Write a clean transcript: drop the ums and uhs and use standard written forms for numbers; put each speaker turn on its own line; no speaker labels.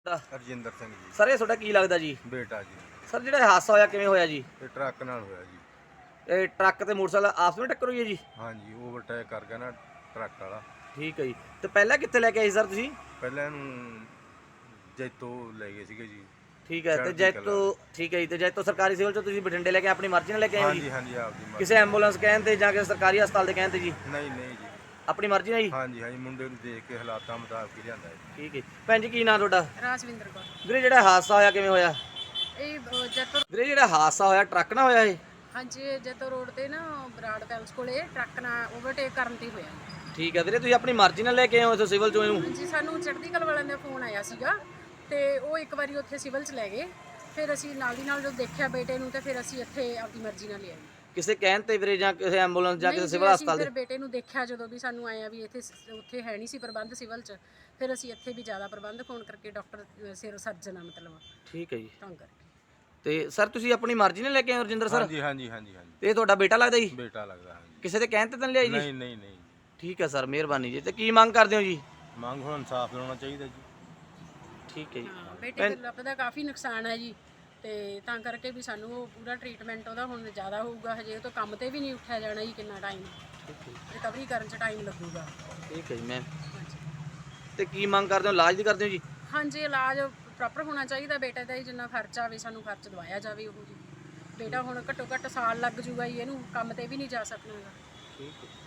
ਹਰਜਿੰਦਰ ਸਿੰਘ ਜੀ।
ਸਰ ਇਹ ਤੁਹਾਡਾ ਕੀ ਲੱਗਦਾ ਜੀ?
ਬੇਟਾ ਜੀ।
ਸਰ ਜਿਹੜਾ ਇਹ ਹਾਦਸਾ ਹੋਇਆ ਕਿਵੇਂ ਹੋਇਆ ਜੀ?
ਇਹ ਟਰੱਕ ਨਾਲ ਹੋਇਆ ਜੀ।
ਇਹ ਟਰੱਕ ਤੇ ਮੋਟਰਸਾਈਕਲ ਆਪਸ ਵਿੱਚ ਟੱਕਰ ਹੋਈ ਹੈ ਜੀ?
ਹਾਂਜੀ, ਓਵਰਟੇਕ ਕਰ ਗਿਆ ਨਾ ਟਰੱਕ ਵਾਲਾ।
ਠੀਕ ਹੈ ਜੀ। ਤੇ ਪਹਿਲਾਂ ਕਿੱਥੇ ਲੈ ਕੇ ਆਏ ਸੀ ਸਰ ਤੁਸੀਂ?
ਪਹਿਲਾਂ ਇਹਨੂੰ ਜੈਤੋ ਲੈ ਗਏ ਸੀਗੇ ਜੀ।
ਠੀਕ ਹੈ। ਤੇ ਜੈਤੋ ਠੀਕ ਹੈ ਜੀ। ਤੇ ਜੈਤੋ ਸਰਕਾਰੀ ਸਿਵਲ ਚੋਂ ਤੁਸੀਂ ਬਠਿੰਡੇ ਲੈ ਕੇ ਆਪਣੀ ਮਰਜ਼ੀ ਨਾਲ ਲੈ ਕੇ ਆਏ ਜੀ?
ਹਾਂਜੀ ਹਾਂਜੀ, ਆਪਦੀ ਮਰਜ਼ੀ।
ਕਿਸੇ ਐਂਬੂਲੈਂਸ ਕਹਿਣ ਤੇ ਜਾਂ ਕਿਸੇ ਸਰਕਾਰੀ ਹਸਪਤਾਲ ਦੇ ਕਹਿਣ ਤੇ ਜੀ?
ਨਹੀਂ ਨਹੀਂ ਜੀ,
ਆਪਣੀ ਮਰਜ਼ੀ ਨਾਲ ਜੀ?
ਹਾਂਜੀ ਹਾਂਜੀ, ਮੁੰਡੇ ਨੂੰ ਦੇਖ ਕੇ ਹਾਲਾਤਾਂ ਮੁਤਾਬਕ ਹੀ ਲਿਆਂਦਾ ਜੀ।
ਠੀਕ ਹੈ। ਭੈਣ ਜੀ ਕੀ ਨਾਂ ਤੁਹਾਡਾ?
ਰਾਜਵਿੰਦਰ ਕੌਰ।
ਵੀਰੇ ਜਿਹੜਾ ਹਾਦਸਾ ਹੋਇਆ ਕਿਵੇਂ ਹੋਇਆ?
ਇਹ ਜੈਤੋ
ਵੀਰੇ ਜਿਹੜਾ ਹਾਦਸਾ ਹੋਇਆ ਟਰੱਕ ਨਾਲ ਹੋਇਆ ਇਹ?
ਹਾਂਜੀ, ਜੈਤੋ ਰੋਡ ਤੇ ਨਾ ਬਰਾੜ ਪੈਲਸ ਕੋਲੇ ਟਰੱਕ ਨਾਲ ਓਵਰਟੇਕ ਕਰਨ ਤੇ ਹੋਇਆ।
ਠੀਕ ਹੈ ਵੀਰੇ, ਤੁਸੀਂ ਆਪਣੀ ਮਰਜ਼ੀ ਨਾਲ ਲੈ ਕੇ ਆਏ ਹੋ ਇੱਥੇ ਸਿਵਲ ਚੋਂ ਇਹਨੂੰ?
ਹਾਂਜੀ, ਸਾਨੂੰ ਚੜ੍ਹਦੀ ਕਲਾ ਵਾਲਿਆਂ ਦਾ ਫੋਨ ਆਇਆ ਸੀਗਾ ਤੇ ਉਹ ਇੱਕ ਵਾਰੀ ਉੱਥੇ ਸਿਵਲ 'ਚ ਲੈ ਗਏ। ਫਿਰ ਅਸੀਂ ਨਾਲ ਦੀ ਨਾਲ ਜਦੋਂ ਦੇਖਿਆ ਬੇਟੇ ਨੂੰ ਤੇ ਫਿਰ ਅਸੀਂ ਇੱਥੇ ਆਪਦੀ ਮਰਜ਼ੀ ਨਾਲ ਲਿਆਏ।
ਕਿਸੇ ਕਹਿਣ ਤੇ ਵੀਰੇ ਜਾਂ ਕਿਸੇ ਐਂਬੂਲੈਂਸ ਜਾਂ ਕਿਸੇ ਸਿਵਲ ਹਸਪਤਾਲ ਦੇ?
ਫਿਰ ਬੇਟੇ ਨੂੰ ਦੇਖਿਆ ਜਦੋਂ ਵੀ ਸਾਨੂੰ ਆਇਆ ਵੀ ਇੱਥੇ ਉੱਥੇ ਹੈ ਨਹੀਂ ਸੀ ਪ੍ਰਬੰਧ ਸਿਵਲ 'ਚ, ਫਿਰ ਅਸੀਂ ਇੱਥੇ ਵੀ ਜ਼ਿਆਦਾ ਪ੍ਰਬੰਧ ਫੋਨ ਕਰਕੇ ਡਾਕਟਰ ਸਿਰ ਸਰਜਨ ਆ ਮਤਲਬ
ਠੀਕ ਹੈ ਜੀ।
ਤਾਂ ਕਰਕੇ।
ਤੇ ਸਰ ਤੁਸੀਂ ਆਪਣੀ ਮਰਜ਼ੀ ਨਾਲ ਲੈ ਕੇ ਆਏ ਹੋ ਰਜਿੰਦਰ ਸਰ?
ਹਾਂਜੀ ਹਾਂਜੀ ਹਾਂਜੀ ਹਾਂਜੀ,
ਤੇ ਇਹ ਤੁਹਾਡਾ ਬੇਟਾ ਲੱਗਦਾ ਜੀ?
ਬੇਟਾ ਲੱਗਦਾ। ਹਾਂਜੀ,
ਕਿਸੇ ਦੇ ਕਹਿਣ ਤੇ ਤਾਂ ਨਹੀਂ ਲਿਆਈ ਜੀ?
ਨਹੀਂ ਨਹੀਂ ਨਹੀਂ।
ਠੀਕ ਹੈ ਸਰ, ਮਿਹਰਬਾਨੀ ਜੀ। ਤੇ ਕੀ ਮੰਗ ਕਰਦੇ ਹੋ ਜੀ?
ਮੰਗ ਹੁਣ ਇਨਸਾਫ ਲੈਣਾ ਚਾਹੀਦਾ ਜੀ।
ਠੀਕ ਹੈ ਜੀ।
ਹਾਂ, ਬੇਟੇ ਦੇ ਲੱਤ ਦਾ ਕਾਫੀ ਨੁਕਸਾਨ ਹੈ ਜੀ, ਤੇ ਤਾਂ ਕਰਕੇ ਵੀ ਸਾਨੂੰ ਉਹ ਪੂਰਾ ਟ੍ਰੀਟਮੈਂਟ ਉਹਦਾ ਹੁਣ ਜ਼ਿਆਦਾ ਹੋਊਗਾ। ਹਜੇ ਉਹ ਤੋਂ ਕੰਮ ਤੇ ਵੀ ਨਹੀਂ ਉੱਠਿਆ ਜਾਣਾ ਜੀ, ਕਿੰਨਾ ਟਾਈਮ ਰਿਕਵਰੀ ਕਰਨ 'ਚ ਟਾਈਮ ਲੱਗੂਗਾ।
ਠੀਕ ਹੈ ਜੀ ਮੈਮ।
ਹਾਂਜੀ
ਤੇ ਕੀ ਮੰਗ ਕਰਦੇ ਹੋ, ਇਲਾਜ ਦੀ ਕਰਦੇ ਹੋ ਜੀ?
ਹਾਂਜੀ, ਇਲਾਜ ਪ੍ਰੋਪਰ ਹੋਣਾ ਚਾਹੀਦਾ ਬੇਟੇ ਦਾ ਹੀ, ਜਿੰਨਾ ਖਰਚਾ ਆਵੇ ਸਾਨੂੰ ਖਰਚ ਦਵਾਇਆ ਜਾਵੇ ਉਹ ਜੀ। ਬੇਟਾ ਹੁਣ ਘੱਟੋ ਘੱਟ ਸਾਲ ਲੱਗ ਜੂਗਾ ਜੀ ਇਹਨੂੰ, ਕੰਮ ਤੇ ਵੀ ਨਹੀਂ ਜਾ ਸਕਣਾਗਾ।
ਠੀਕ ਹੈ।